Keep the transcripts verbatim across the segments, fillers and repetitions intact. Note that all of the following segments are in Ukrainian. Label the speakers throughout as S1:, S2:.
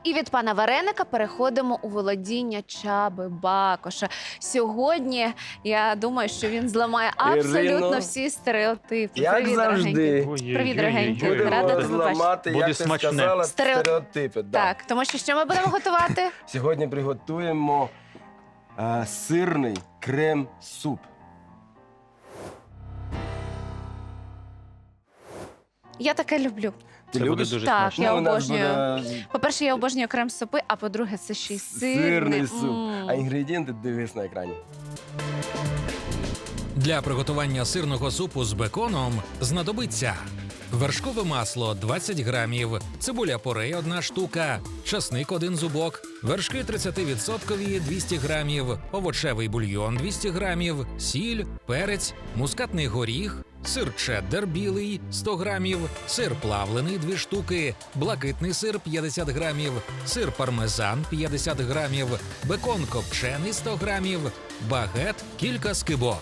S1: І від пана Вареника переходимо у володіння Чаби Бакоша. Сьогодні я думаю, що він зламає абсолютно
S2: Ірино,
S1: всі стереотипи.
S2: як
S1: Привіт,
S2: завжди.
S1: дорогенький. Привіт, дорогенький.
S3: Ой-ой-ой.
S1: Рада
S2: Будемо
S1: тебе бачити.
S2: зламати,
S3: Буде
S2: як ти
S3: смачне.
S2: сказала,
S1: Стерео-
S2: стереотипи. Да.
S1: Так, тому що що ми будемо готувати?
S2: Сьогодні приготуємо е, сирний крем-суп.
S1: Я таке люблю.
S2: Ти
S3: Це буде
S2: любиш?
S3: дуже
S1: Так,
S3: смачно.
S1: я
S2: Ну, у нас
S1: обожнюю.
S2: буде
S1: По-перше, я обожнюю крем-супи, а по-друге, це ще й сирний.
S2: сирний суп.
S1: М.
S2: А інгредієнти дивись на екрані.
S4: Для приготування сирного супу з беконом знадобиться вершкове масло двадцять грамів, цибуля порей одна штука, часник один зубок, вершки тридцять відсотків двісті грамів, овочевий бульйон двісті грамів, сіль, перець, мускатний горіх, сир чеддер білий сто грамів, сир плавлений дві штуки, блакитний сир п'ятдесят грамів, сир пармезан п'ятдесят грамів, бекон копчений сто грамів, багет кілька скибок.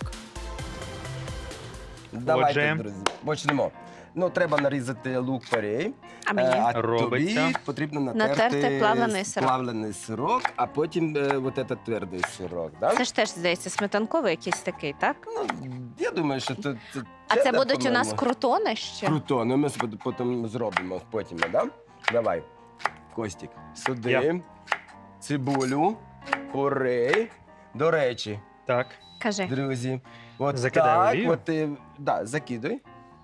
S2: Давайте,
S3: Отже.
S2: друзі, почнемо. Ну, треба нарізати лук порей.
S1: А мені?
S2: Е, а
S3: Робиться.
S2: тобі потрібно натерти,
S1: Натерти плавлений сирок.
S2: плавлений сирок, а потім е, от этот твердий сирок. Да?
S1: Це ж теж, здається, сметанковий якийсь такий, так?
S2: Ну, я думаю, що це, це
S1: А це
S2: чеддер,
S1: будуть у нас
S2: по-моєму.
S1: крутони ще?
S2: Круто, ну ми спод- потім зробимо потім, да? Давай, Костік, сюди,
S3: Я.
S2: цибулю, порей. До речі,
S3: Так.
S1: Кажи.
S2: друзі, от
S3: Закидай
S2: так,
S3: олію?
S2: от ти, да, закидай.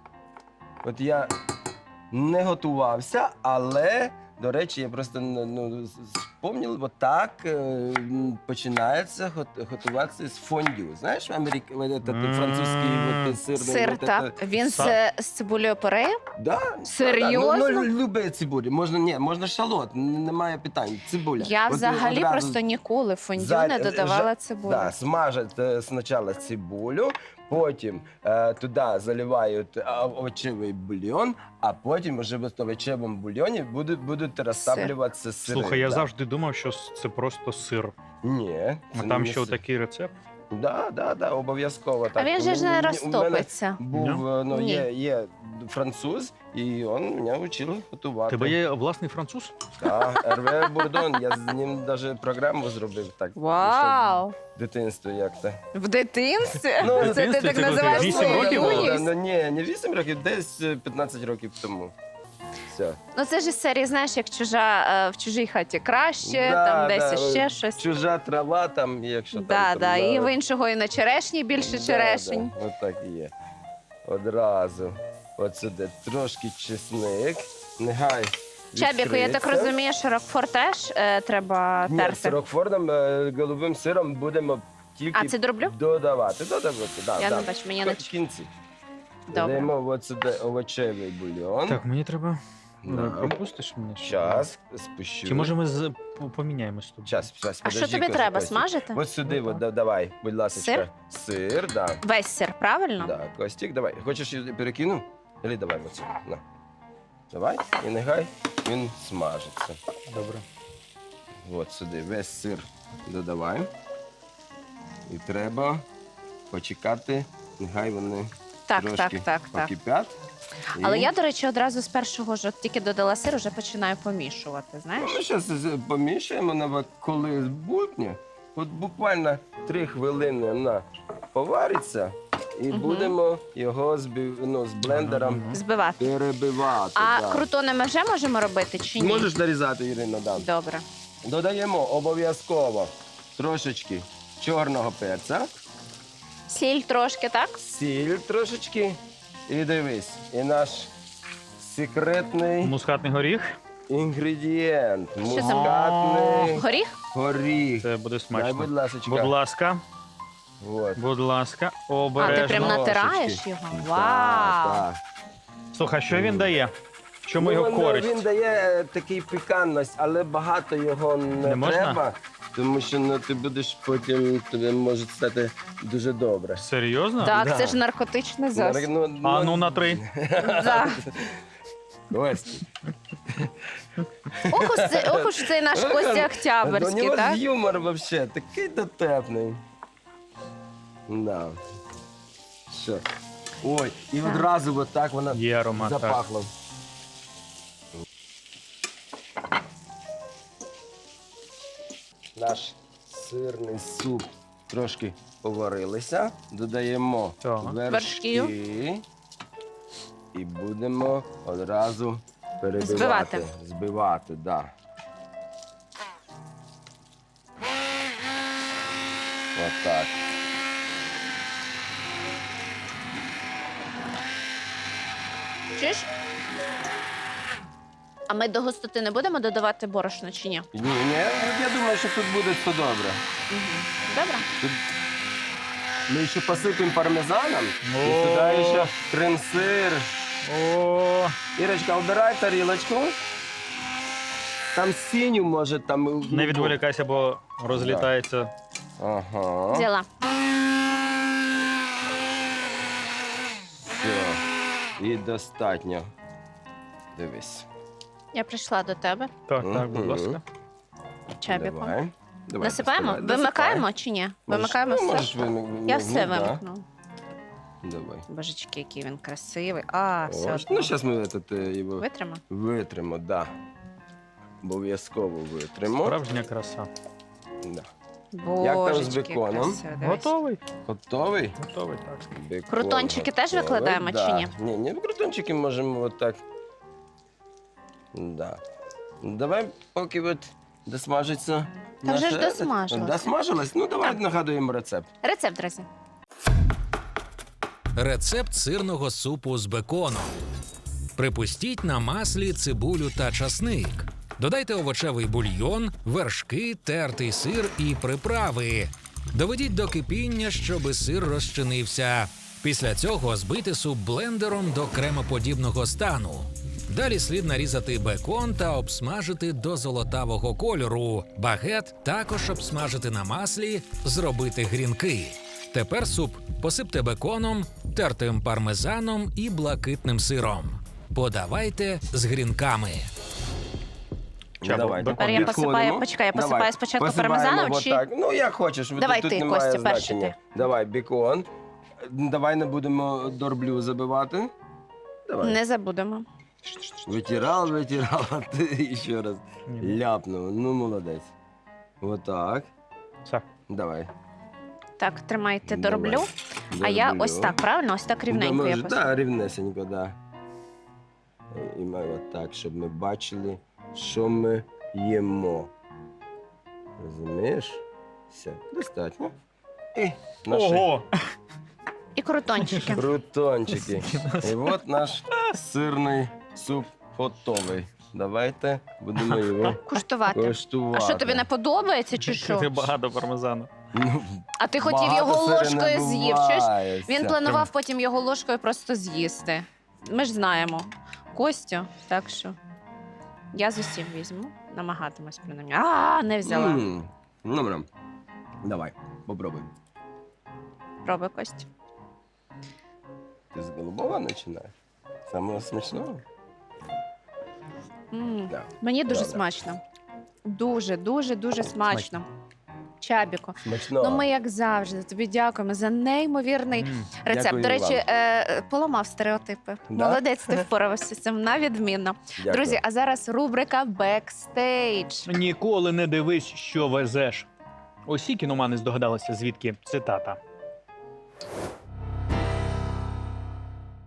S2: От я не готувався, але, до речі, я просто ну, спомнив, от так е, м, починається гот- готуватися з фондю. Знаєш, в Америці от, этот
S3: М.
S2: французький от, сирний.
S1: Сир,
S2: от,
S1: так.
S2: это-
S1: Він з,
S3: Са-
S1: з цибулею порею?
S2: Да,
S1: Серйозно?
S2: Да, ну, ну, любе цибулі. Можна, ні, можна шалот, н- немає питань. Цибуля.
S1: Я
S2: От,
S1: взагалі
S2: одразу
S1: просто ніколи в фондю
S2: за-
S1: не додавала цибулю.
S2: Да, смажать е, спочатку цибулю, потім е, туди заливають е, овочевий бульйон, а потім вже в овочевому бульйоні будуть, будуть розтаплюватися сири.
S3: Слухай, я
S2: да.
S3: завжди думав, що це просто сир.
S2: Ні.
S3: А
S2: це
S3: там
S2: не
S3: ще
S2: сир.
S3: такий рецепт.
S2: Да, да, да, обов'язково.
S1: А
S2: Так.
S1: він же ж
S2: У
S1: не
S2: мене- у мене
S1: розтопиться.
S2: Був, е, ну,
S1: Ні.
S2: є, є француз, і він мене вчив готувати.
S3: Тебе є власний француз?
S2: Так, Ерве Бурдон, я з ним навіть програму зробив так.
S1: Вау!
S2: В дитинстві як то.
S1: В дитинстві?
S2: Ну, в
S1: Це ти
S3: дитинстві
S1: так
S3: це коли
S1: називаєш
S3: ти вісім
S1: свою
S3: років було?
S1: юність?
S2: Ну, ні, не вісім років, десь е, п'ятнадцять років тому. Все.
S1: Ну це ж із серії, знаєш, як чужа е, в чужій хаті краще,
S2: Да,
S1: там десь
S2: да,
S1: іще щось.
S2: Чужа трава там, якщо
S1: Да,
S2: там.
S1: да.
S2: там,
S1: І в іншого і на черешні більше
S2: Да,
S1: черешень.
S2: Да, от так і є. Одразу. От сюди трошки чесник. Нехай
S1: Чабіку, я так
S2: відкриється.
S1: розумію, що Рокфор теж е, треба
S2: Ні, з
S1: терти.
S2: рокфорном, е, голубим сиром будемо тільки
S1: А, це дроблю?
S2: додавати. Додавати, да,
S1: Я
S2: да.
S1: не бачу, мені не
S2: В кінці.
S1: Добре.
S2: Додаємо от сюди овочевий бульйон.
S3: Так, мені треба.
S2: Да.
S3: Пропустиш мене? ще?
S2: Час, спущу.
S3: Чи може ми з... по- поміняємось тут?
S2: Час, час,
S1: А що
S2: подожди,
S1: тобі
S2: Костя,
S1: треба?
S2: Костя.
S1: Смажити?
S2: От сюди,
S3: Ну,
S2: от,
S3: так.
S2: да- давай, будь ласка.
S1: Сир?
S2: Сир, да.
S1: Весь сир, правильно?
S2: Да, Костік, давай. Хочеш я перекину? Или давай от сюди. На. Давай, і нехай він смажиться.
S3: Добре.
S2: От сюди весь сир додавай. І треба почекати, нехай вони
S1: Так,
S2: трошки
S1: так, так, так.
S2: покипять. І-
S1: Але я, до речі, одразу з першого ж от тільки додала сир, вже починаю помішувати, знаєш?
S2: Ми зараз помішаємо, на коли збутне. От буквально три хвилини вона повариться, і
S1: Мгм.
S2: будемо його збив, ну, з блендером
S3: Мгм.
S1: Збивати.
S2: перебивати.
S1: А
S2: да.
S1: крутони ми вже можемо робити чи ні?
S2: Можеш нарізати, Ірина, да.
S1: Добре.
S2: Додаємо обов'язково трошечки чорного перця,
S1: Сіль трошки, так?
S2: сіль трошечки. І дивись, і наш секретний
S3: Мускатний горіх.
S2: інгредієнт.
S1: це?
S2: Мускатний
S1: Горіх?
S2: горіх.
S3: Це буде
S2: Дай,
S3: смачно.
S2: будь ласочка.
S3: Будь ласка,
S2: Вот.
S3: будь ласка,
S1: А, ти
S3: обережно.
S1: прям натираєш
S2: Трошечки.
S1: його?
S2: Так,
S1: Вау!
S2: так.
S3: Слухай, що він дає? Чому
S2: Ну,
S3: його
S2: він,
S3: користь?
S2: Він дає такий пікантність, але багато його не,
S3: Не можна?
S2: треба, тому що ну, ти будеш потім, тобі може стати дуже добре.
S3: Серйозно?
S1: Так,
S2: Да.
S1: це ж наркотичний засіб.
S2: Ну,
S3: А ну на три.
S1: Да.
S2: Костя.
S1: Ох уж це- ох уж цей наш Костя
S2: У
S1: Октябрьський,
S2: нього
S1: так?
S2: ж юмор взагалі такий дотепний. Да. Що? Ой, і
S1: Так.
S2: одразу от так вона
S3: Є аромат. так.
S2: запахла. наш сирний суп трошки поварилися, додаємо
S3: Так.
S2: вершки і будемо одразу перебивати.
S1: Збивати.
S2: Збивати, да. Отак.
S1: Чуєш? А ми до густоти не будемо додавати борошно чи ні?
S2: Ні, ні, я думаю, що тут буде все добре.
S1: Добре.
S2: Тут ми ще посипемо пармезаном, і
S3: О.
S2: сюди ще крем-сир.
S3: О,
S2: Ірочка, обирай тарілочку. Там синю, може, там...
S3: не відволікайся, бо розлітається.
S2: Ага.
S1: Взяла.
S2: Все. І достатньо. Дивись.
S1: Я прийшла до тебе
S3: Так, так, будь
S2: Мгм.
S3: ласка.
S1: чабіком.
S2: Давай. Давай,
S1: Насипаємо?
S2: доставай.
S1: Вимикаємо
S2: Досипай.
S1: чи ні?
S2: Можеш-
S1: Вимикаємо
S2: ну,
S1: все?
S2: можеш вимик-
S1: Я
S2: ну,
S1: все
S2: да.
S1: вимикну.
S2: Давай.
S1: Божечки, який він красивий. А, все
S2: Ось.
S1: одно.
S2: Ну, зараз ми этот, е, його
S1: Витримо?
S2: витримо, да. Обов'язково витримо.
S3: Справжня краса.
S2: Да.
S1: Божечки,
S2: з беконом?
S1: красиво, дивись.
S3: Готовий?
S2: Готовий?
S3: Готовий, так.
S2: Бекон
S1: Крутончики теж
S2: готовий.
S1: викладаємо
S2: да.
S1: чи ні?
S2: Ні, ні, крутончики можемо отак. Да. Давай, поки от досмажиться.
S1: Та вже
S2: наше
S1: ж
S2: этот.
S1: досмажилось.
S2: Досмажилось? Ну, давай
S1: Так.
S2: нагадуємо рецепт.
S1: Рецепт, друзі.
S4: Рецепт сирного супу з беконом. Припустіть на маслі цибулю та часник. Додайте овочевий бульйон, вершки, тертий сир і приправи. Доведіть до кипіння, щоби сир розчинився. Після цього збийте суп блендером до кремоподібного стану. Далі слід нарізати бекон та обсмажити до золотавого кольору. Багет також обсмажити на маслі, зробити грінки. Тепер суп посипте беконом, тертим пармезаном і блакитним сиром. Подавайте з грінками.
S3: Чабо,
S2: Давай,
S3: бекон.
S1: Тепер я
S2: підходимо.
S1: посипаю- почекай, я посипаю
S2: Давай.
S1: спочатку
S2: Посипаємо
S1: пармезаном чи-
S2: отак. Ну, як хочеш.
S1: Давай
S2: тут
S1: ти,
S2: немає
S1: Костя, перший
S2: значення.
S1: ти.
S2: Давай, бекон. Давай не будемо дорблю забивати. Давай.
S1: Не забудемо.
S2: Витирал, витирал, а ти ще раз
S3: Ні.
S2: ляпнув. Ну, молодець. Отак.
S3: Все.
S2: Давай.
S1: Так, тримайте,
S2: Давай.
S1: дороблю. А я
S2: Дороблю.
S1: ось так, правильно? Ось так рівненько
S2: Да,
S1: я
S2: може,
S1: посипаю.
S2: да, рівнесенько, да. І ми отак, щоб ми бачили, що ми їмо. Розумієш? Все, достатньо. І наші
S3: Ого!
S1: І крутончики.
S2: крутончики. І от наш сирний суп готовий. Давайте будемо його
S1: Куштувати.
S2: коштувати.
S1: А що, тобі не подобається чи
S3: Ти
S1: що?
S3: багато пармезану.
S2: Ну,
S1: А ти хотів
S2: багато
S1: його
S2: сиру
S1: ложкою
S2: не
S1: з'їв, чуєш?
S2: буває.
S1: Він
S2: Все.
S1: планував потім його ложкою просто з'їсти. Ми ж знаємо Костю, так що я з усім візьму, намагатимусь принаймні. А, не взяла.
S2: М, Добре. Давай, попробуй.
S1: Пробуй, Костю.
S2: Ти з голубого починаєш? Самого смачного?
S1: М,
S2: Да.
S1: Мені дуже
S2: Добре.
S1: смачно. Дуже, дуже, дуже смачно. Чабіко.
S2: Смачного.
S1: Ну, ми, як завжди, тобі дякуємо за неймовірний
S3: М.
S1: рецепт.
S2: Дякую
S1: До речі,
S2: вам.
S1: е, поламав стереотипи.
S2: Да?
S1: Молодець, ти впорався з цим на відмінно.
S2: Дякую.
S1: Друзі, а зараз рубрика Бекстейдж.
S3: Ніколи не дивись, що везеш. Усі кіномани здогадалися, звідки цитата.